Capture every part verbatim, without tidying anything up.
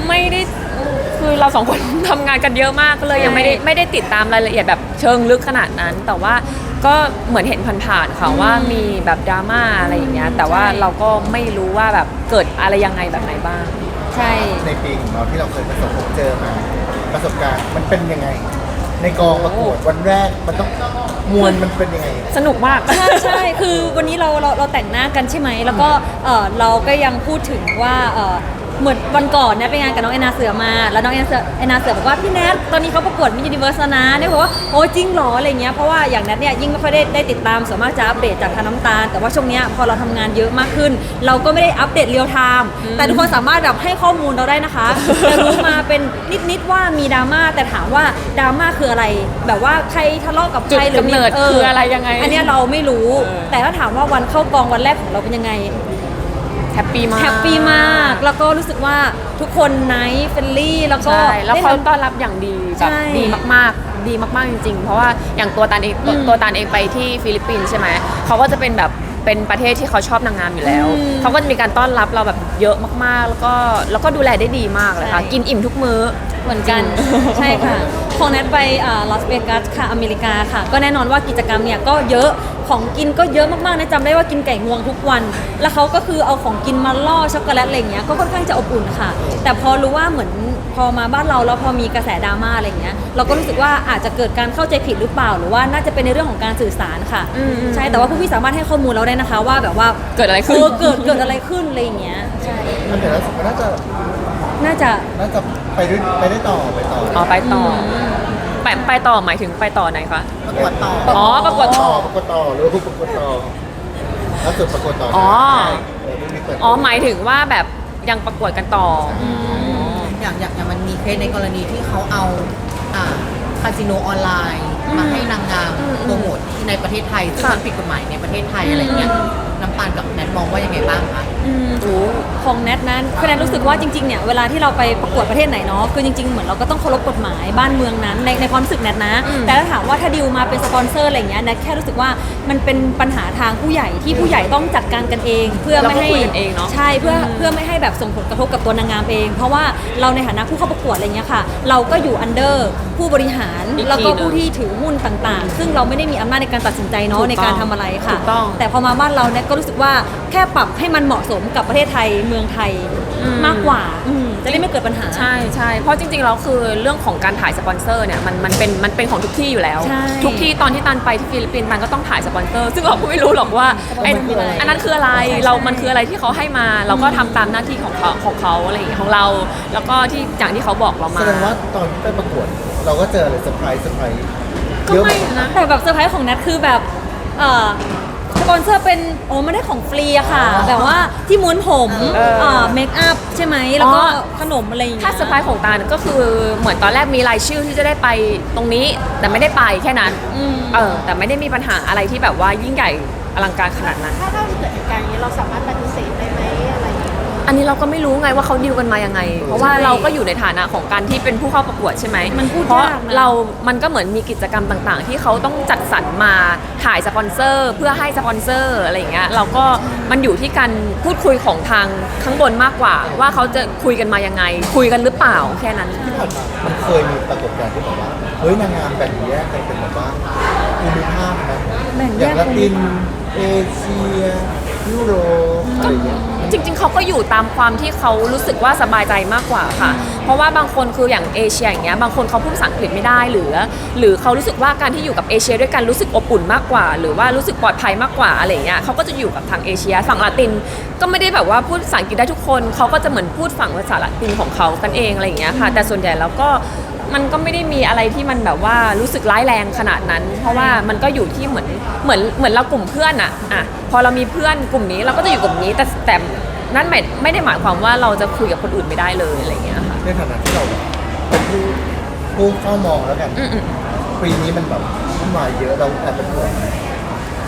ไม่ได้คือเราสองคนทำงานกันเยอะมากก็เลยยังไม่ได้ไม่ได้ติดตามรายละเอียดแบบเชิงลึกขนาดนั้น แต่ว่าก็เหมือนเห็นผ่านๆค่ะว่ามีแบบดราม่าอะไรอย่างเงี้ยแต่ว่าเราก็ไม่รู้ว่าแบบเกิดอะไรยังไงแบบไหนบ้างใช่ในปีของเราที่เราเคยประสบพบเจอมาประสบการณ์มันเป็นยังไงในกองประกวดวันแรกมันต้องมวลมันเป็นยังไงสนุกมากใช่ใช่คือวันนี้เราเราเราแต่งหน้ากันใช่ไหมแล้วก็เออเราก็ยังพูดถึงว่าเออเหมือนวันก่อนเนี่ยไปงานกับน้องแอนนาเสือมาแล้วน้องแอนเสือแอนนาเสือบอกว่าพี่แนทตอนนี้เขาประกวดมิสยูนิเวิร์สนะเนี่ยบอกว่าโอ้จริงเหรออะไรเงี้ยเพราะว่าอย่างแนทเนี่ยยิ่งไม่ค่อยได้ได้ติดตามส่วนมากจะอัปเดตจากทางน้ำตาลแต่ว่าช่วงเนี้ยพอเราทำงานเยอะมากขึ้นเราก็ไม่ได้อัปเดตเรียลไทม์แต่ทุกคนสามารถแบบให้ข้อมูลเราได้นะคะจะรู้มาเป็นนิดๆว่ามีดราม่าแต่ถามว่าดราม่าคืออะไรแบบว่าใครทะเลาะกับใครหรือจุดกำเนิดคืออะไรยังไงอันนี้เราไม่รู้แต่ถ้าถามว่าวันเข้ากองวันแรกของเราเป็นยังไงแฮปปี้มากแฮปปี้มากแล้วก็รู้สึกว่าทุกคนไนท์เฟรนลี่แล้วก็แล้วเขาต้อนรับอย่างดีแบบดีมากๆดีมากๆจริงๆเพราะว่าอย่างตัวตาลเองตัวตาลเองไปที่ฟิลิปปินส์ใช่ไหมเขาก็จะเป็นแบบเป็นประเทศที่เขาชอบนางงามอยู่แล้วเขาก็จะมีการต้อนรับเราแบบเยอะมากๆแล้วก็แล้วก็ดูแลได้ดีมากเลยค่ะกินอิ่มทุกมื้อเหมือนกันใช่ค่ะของแนทไปลอสเวกัสค่ะอเมริกาค่ะก็แน่นอนว่ากิจกรรมเนี่ยก็เยอะของกินก็เยอะมากๆนะจำได้ว่ากินไก่งวงทุกวันแล้วเขาก็คือเอาของกินมาล่อช็อกโกแลตอะไรเงี้ยก็ค่อนข้างจะอบอุ่นค่ะแต่พอรู้ว่าเหมือนพอมาบ้านเราแล้วพอมีกระแสดราม่าอะไรเงี้ยเราก็รู้สึกว่าอาจจะเกิดการเข้าใจผิดหรือเปล่าหรือว่าน่าจะเป็นในเรื่องของการสื่อสารค่ะใช่แต่ว่าผู้พี่สามารถให้ข้อมูลเราได้นะคะว่าแบบว่าเกิดอะไรขึ้นเกิดเกิดอะไรขึ้นอะไรอย่างเงี้ยใช่แต่แล้วน่าจะน่าจะน่าจะไปด้วยไปได้ต่อไปต่ออ๋อไปต่อไปไปต่อหมายถึงไปต่อไหนคะประกวดต่ออ๋อประกวดต่อประกวดต่อหรือประกวดต่อแล้วสุดประกวดต่ออ๋ออ๋อหมายถึงว่าแบบยังประกวดกันต่ออย่างอย่างอย่างมันมีเคสในกรณีที่เขาเอาอ่าคาสิโนออนไลน์มาให้นางงามโปรโมทที่ในประเทศไทยซึ่งมันผิดกฎหมายในประเทศไทยอะไรเงี้ยน้ำตาลกับแนทมองว่ายังไงบ้างคะของแนทนั้นคือแนทรู้สึกว่าจริงๆเนี่ยเวลาที่เราไปประกวดประเทศไหนเนาะคือจริงๆเหมือนเราก็ต้องเคารพกฎหมายบ้านเมืองนั้นในในความรู้สึกแนทนะแต่ถ้าถามว่าถ้าดิวมาเป็นสปอนเซอร์อะไรเงี้ยแนทแค่รู้สึกว่ามันเป็นปัญหาทางผู้ใหญ่ที่ผู้ใหญ่ต้องจัดการกันเองเพื่อไม่ให้ใช่เพื่อเพื่อไม่ให้แบบส่งผลกระทบกับตัวนางงามเองเพราะว่าเราในฐานะผู้เข้าประกวดอะไรเงี้ยค่ะเราก็อยู่อันเดอร์ผู้บริหารแล้วก็ผู้ที่ถือหุ้นต่างๆซึ่งเราไม่ได้มีอำนาจในการตัดสินใจเนาะในการทำอะไรค่ะแต่พอมาบ้านเราเนี่ยก็รู้สึกว่าแค่ปรับให้มันเหมาะสมกับประเทศไทยเมืองไทยมากกว่าจะได้ไม่เกิดปัญหาใช่ใช่เพราะจริงๆแล้วคือเรื่องของการถ่ายสปอนเซอร์เนี่ยมันมันเป็นมันเป็นของทุกที่อยู่แล้วทุกที่ตอนที่ตันไปที่ฟิลิปปินส์ตันก็ต้องถ่ายสปอนเซอร์ซึ่งเราก็ไม่รู้หรอกว่าไอ้อันนั้นคืออะไรเรามันคืออะไรที่เขาให้มาเราก็ทำตามหน้าที่ของเขาของเขาอะไรอย่างเงี้ยของเราแล้วก็ที่อย่างที่เขาบอกเรามาแสดงว่าตอนที่ไปประกวดเราก็เจออะไรเซอร์ไพรส์เซอร์ไพรส์ก็ไม่นะแต่แบบเซอร์ไพรส์ของแนทคือแบบเอ่อสปอนเซอร์เป็นโอ้ไม่ได้ของฟรีอะค่ะแบบว่าที่ม้วนผมเมคอัพใช่ไหมแล้วก็ขนมอะไรอย่างเงี้ยถ้าเซอร์ไพรส์ของตาก็คือเหมือนตอนแรกมีรายชื่อที่จะได้ไปตรงนี้แต่ไม่ได้ไปแค่นั้นเออแต่ไม่ได้มีปัญหาอะไรที่แบบว่ายิ่งใหญ่อลังการขนาดนั้นถ้าถ้าเกิดเหตุการณ์อย่างนี้เราสามารถปฏิเสธได้ไหมอะไรอย่างเงี้ยอันนี้เราก็ไม่รู้ไงว่าเขาดีลกันมายังไงเพราะว่าเราก็อยู่ในฐานะของการที่เป็นผู้เข้าประกวดใช่ไหมเพราะเรามันก็เหมือนมีกิจกรรมต่างๆที่เขาต้องจัดสรรมาถ่ายสปอนเซอร์เพื่อให้สปอนเซอร์อะไรอย่างเงี้ยเราก็มันอยู่ที่การพูดคุยของทางข้างบนมากกว่าว่าเขาจะคุยกันมายังไงคุยกันหรือเปล่าแค่นั้นที่ผ่านมามันเคยมีปรากฏการณ์ที่บอกว่าเฮ้ยนางงามแบ่งแยกกันเป็นแบบว่าภูมิภาคนะอย่างละตินเอเชียยุโรปอะไรอย่างเงี้ยจริงๆเขาก็อยู่ตามความที่เขารู้สึกว่าสบายใจมากกว่าค่ะเพราะว่าบางคนคืออย่างเอเชียอย่างเงี้ยบางคนเขาพูดภาษาอังกฤษไม่ได้หรือหรือเขารู้สึกว่าการที่อยู่กับเอเชียด้วยกันรู้สึกอบอุ่นมากกว่าหรือว่ารู้สึกปลอดภัยมากกว่าอะไรเงี้ยเขาก็จะอยู่กับทางเอเชียฝั่งละตินก็ไม่ได้แบบว่าพูดภาษาอังกฤษได้ทุกคนเขาก็จะเหมือนพูดฝั่งภาษาละตินของเขากันเองอะไรอย่างเงี้ยค่ะแต่ส่วนใหญ่แล้วก็มันก็ไม่ได้มีอะไรที่มันแบบว่ารู้สึกร้ายแรงขนาดนั้นเพราะว่ามันก็อยู่ที่เหมือนเหมือนเหมือนเรากลุ่มเพื่อนอะอะพอเรามีเพื่อนกลุ่มนี้เราก็จะอยู่กลุ่มนี้แต่แต่นั่นไม่ไม่ได้หมายความว่าเราจะคุยกับคนอื่นไม่ได้เลยอะไรอย่างเงี้ยค่ะในฐานะที่เราเป็นผู้ผู้เฝ้ามองแล้วกันปีนี้มันแบบขึ้นมาเยอะเราแอบเป็นห่วงกับ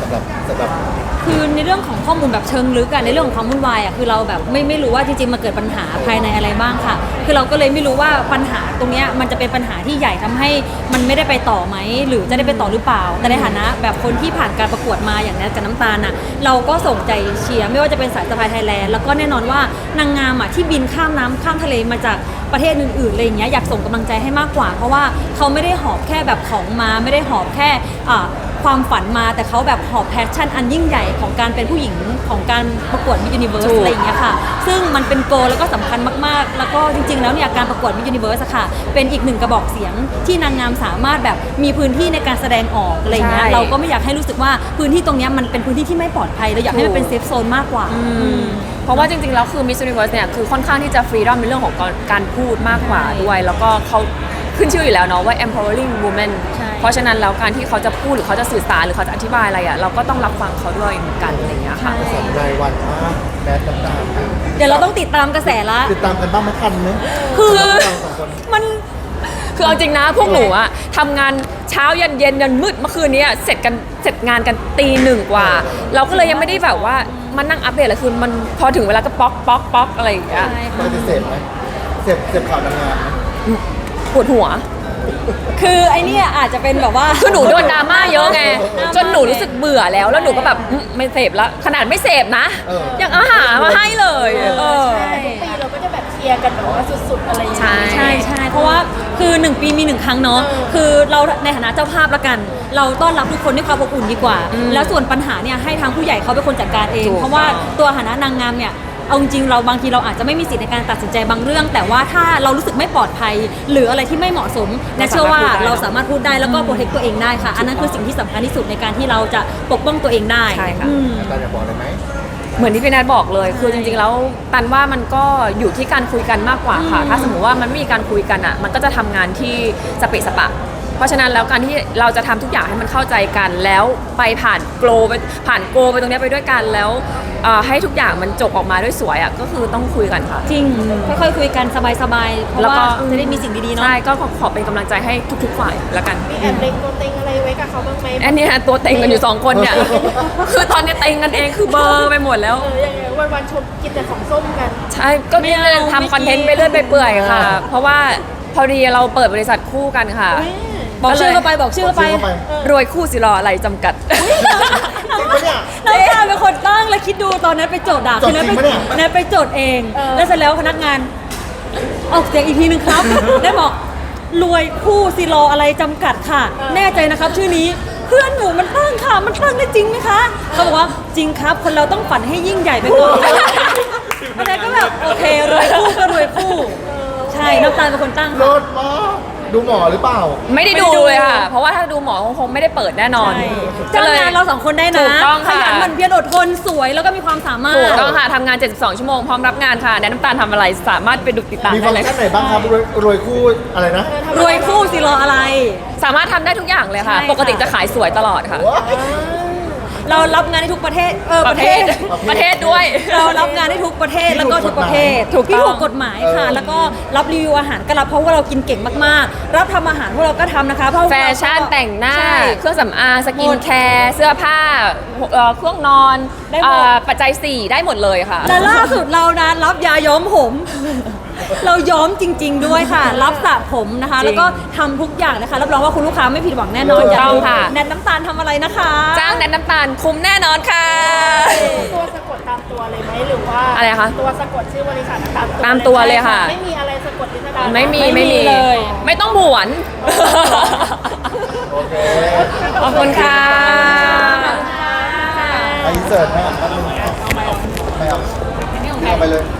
ำหรับสำหรับคือในเรื่องของข้อมูลแบบเชิงลึกอะในเรื่องของความวุ่นวายอะคือเราแบบไม่ไม่รู้ว่าจริงๆมันเกิดปัญหาภายในอะไรบ้างค่ะ คือเราก็เลยไม่รู้ว่าปัญหาตรงเนี้ยมันจะเป็นปัญหาที่ใหญ่ทำให้มันไม่ได้ไปต่อไหมหรือจะได้ไปต่อหรือเปล่า แต่ในฐานะแบบคนที่ผ่านการประกวดมาอย่างแนทกับน้ำตาลอะเราก็ส่งใจเชียร์ไม่ว่าจะเป็นสายสะพายไทยแลนด์แล้วก็แน่นอนว่านางงามอะที่บินข้ามน้ำข้ามทะเลมาจากประเทศอื่นๆอะไรอย่างเงี้ยอยากส่งกำลังใจให้มากกว่า เพราะว่าเขาไม่ได้หอบแค่แบบของมาไม่ได้หอบแค่อ่า ความฝันมาแต่เขาแบบหอบแพชชั่นอันยิ่งใหญ่ของการเป็นผู้หญิงของการประกวดมิสยูนิเวิร์สถูกอะไรอย่างเงี้ยค่ะ ซึ่งมันเป็นโกลแล้วก็สำคัญมากๆ แล้วก็จริงๆแล้วเนี่ยการประกวดมิสยูนิเวิร์สค่ะเป็นอีกหนึ่งกระบอกเสียงที่นางงามสามารถแบบมีพื้นที่ในการแสดงออกอะไรอย่างเงี้ยเราก็ไม่อยากให้รู้สึกว่าพื้นที่ตรงเนี้ยมันเป็นพื้นที่ที่ไม่ปลอดภัยเราอยากให้มันเป็นเซฟโซนมากกว่าเพราะว่าจริงๆแล้วคือ Miss Universe เนี่ยคือค่อนข้างที่จะฟรีดอมในเรื่องของการการพูดมากกว่าด้วย แล้วก็เขาขึ้นชื่ออยู่แล้วเนาะว่า empowering women ใช่เพราะฉะนั้นแล้วการที่เขาจะพูดหรือเขาจะสื่อสารหรือเขาจะอธิบายอะไรอ่ะเราก็ต้องรับฟังเขาด้วยเหมือนกันอะไรอย่างเงี้ยค่ะสนรายวันมากแมสน้ำตาลเดี๋ยวเราต้องติดตามกระแสละติดตามกันบ้างไหมทันไหมคือเราสองคนมันคือเอาจริงนะพวกหนูอะทำงานเช้ายันเย็นยันมืดเมื่อคืนนี้อะเสร็จกันเสร็จงานกันตีหนึ่งกว่า เราก็เลยยังไม่ได้แบบว่ามานั่งอัปเดตเลยคือมันพอถึงเวลาก็ป๊อกป๊อกป๊อกอะไรอย่างเงี้ยใช่ปค่ะกติเสพไหมเสพเสพข่าวนางงามไหมปวดหัวคือไอเนี่ยอาจจะเป็นแบบว่าคือหนูโดนดราม่าเยอะไงจนหนูรู้สึกเบื่อแล้วแล้วหนูก็แบบอืมไม่เสพแล้วขนาดไม่เสพนะ ยังเอาหามาให้เลยเออแต่ทุกปีเราก็จะแบบเชียร์กันแบบว่าสุดๆอะไรอย่างเงี้ยใช่ใช่ใช่เพราะว่าคือหนึ่งปีมีหนึ่งครั้งเนาะคือเราในฐานะเจ้าภาพละกัน เราต้อนรับทุกคนด้วยความอบอุ่นดีกว่า แล้วส่วนปัญหาเนี่ยให้ทางผู้ใหญ่เขาเป็นคนจัดการเองถูกเพราะว่าตัวฐานะนางงามเนี่ยเอาจริงๆเราบางทีเราอาจจะไม่มีสิทธิ์ในการตัดสินใจบางเรื่อง แต่ว่าถ้าเรารู้สึกไม่ปลอดภัย หรืออะไรที่ไม่เหมาะสมแนทเชื่อว่าเราสามารถพูดได้แล้วก็โปรเทคตัวเองได้ค่ะ อันนั้นคือสิ่งที่สำคัญที่สุดในการที่เราจะปกป้องตัวเองได้ใช่ค่ะอืมอาจารย์อยากบอกอะไรไหมเหมือนที่พี่นัทบอกเลย คือจริงๆ แล้วตันว่ามันก็อยู่ที่การคุยกันมากกว่าค่ะ ถ้าสมมติว่ามันไม่มีการคุยกันอ่ะ มันก็จะทำงานที่สเปะสปะ เพราะฉะนั้นแล้วการที่เราจะทำทุกอย่างให้มันเข้าใจกัน แล้วไปผ่านโกลไปผ่านโกลไปตรงเนี้ยไปด้วยกัน แล้วเอ่อให้ทุกอย่างมันจบออกมาด้วยสวยอ่ะ ก็คือต้องคุยกันค่ะจริงค่อยๆคุยกันสบายๆเพราะแล้วก็ว่าจะได้มีสิ่งดีๆเนาะใช่ ก็ขอขอเป็นกำลังใจให้ทุกๆ ฝ่ายละกันมีแอบเล็งตัวเต็งอะไรไว้กับเขาบ้างไหมอันนี้ฮะตัวเต็งกันอยู่สองคนเนี่ย คือตอนนี้เต็งกันเองคือเบลอร์ไปหมดแล้วเออยังไงวันวันๆชมกินแต่ของส้มกันใช่ ก็นี่ไม่เอาทำคอนเทนต์ไปเรื่อยไปเปื่อยค่ะ เพราะว่าพอดีเราเปิดบริษัทคู่กันค่ะบอกชื่อเข้าไปบอกชื่อเข้าไปเข้าไปรวยคู่สิรออะไรจำกัดจริงปะเนี่ยน้ำตาลเป็นคนตั้งแล้วคิดดูตอนนั้นไปโจทย์ด่าโจทย์คือนั้นจริงไปปะเนี่ยนั้นไปโจทย์เองเออแล้วเสร็จแล้วพนักงาน ออกเสียงอีกทีนึงครับ ได้บอกรวยคู่สิรออะไรจำกัดค่ะ แน่ใจนะครับ ชื่อนี้เพื่อนหนูมันตั้งค่ะ มันตั้งได้จริงไหมคะเขาบอกว่าจริงครับ คนเราต้องฝันให้ยิ่งใหญ่ไปก่อนอันนั้นก็แบบโอเครวยคู่ก็รวยคู่ ใช่น้ำตาลเป็นคนตั้งโลค่ะดมากดูหมอหรือเปล่าไม่ได้ดูเลยค่ะ เพราะว่าถ้าดูหมอคงไม่ได้เปิดแน่นอนใช่ก็จ้างเลยงานเราสองคนได้นะถูกต้องขค่ะยันหมันเพียรอดทนสวยแล้วก็มีความสามารถถูกต้องค่ะทำงาน เจ็ดสิบสอง ชั่วโมงพร้อมรับงานค่ะแนะน้ำตาลทำอะไรสามารถไปดูติดตามมีได้ฟังเลยก์ชันไหนบ้างครับรวยรวยคู่อะไรนะรวยคู่สิรออะไรสามารถทำได้ทุกอย่างเลยค่ะใช่ค่ะปกติจะขายสวยตลอดค่ะเรารับงานได้ทุกประเทศ เออปประ ระเทเทศศประเทศด้วยเรารับงานได้ทุกประเทศแล้วก็ทุกประเภทถูกต้องที่ถูกกฎหมายค่ะเออแล้วก็รับรีวิวอาหารก็รับเพราะว่าเรากินเก่งมากๆ รับทำอาหารพวกเราก็ทำนะคะเพราะแฟชั่นแต่งหน้าใช่เครื่องสำอางสกิหมนดแคร์เสื้อผ้าเอ่อเครื่องนอนได้หมดเอ่อปัจจัยสี่ได้หมดเลยค่ะและล่าสุดเรานะรับยาย้อมผม เราย้อมจริง ๆ ด้วยค่ะ รับสระผมนะคะจริงแล้วก็ทำทุกอย่างนะคะรับรองว่าคุณลูกค้าไม่ผิดหวังแน่นอนถูกอยากต้องดูค่ะแนทน้ำตาลทำอะไรนะคะจ้างแนนน้ำตาลคุ้มแน่นอนค่ะตัวสะกดตามตัวเลยไหมหรือว่าอะไรคะตัวสะกดชื่อบริษัทตามตัวตามตัวเลยค่ะไม่มีอะไรสะกดพิสดารไม่มีไม่ไม่มีมีเลยไม่ต้องผวนโอเคขอบคุณค่ะไปอินเสิร์ตไหมอ่ะแป๊บนึงไม่เอาเอาไปเลย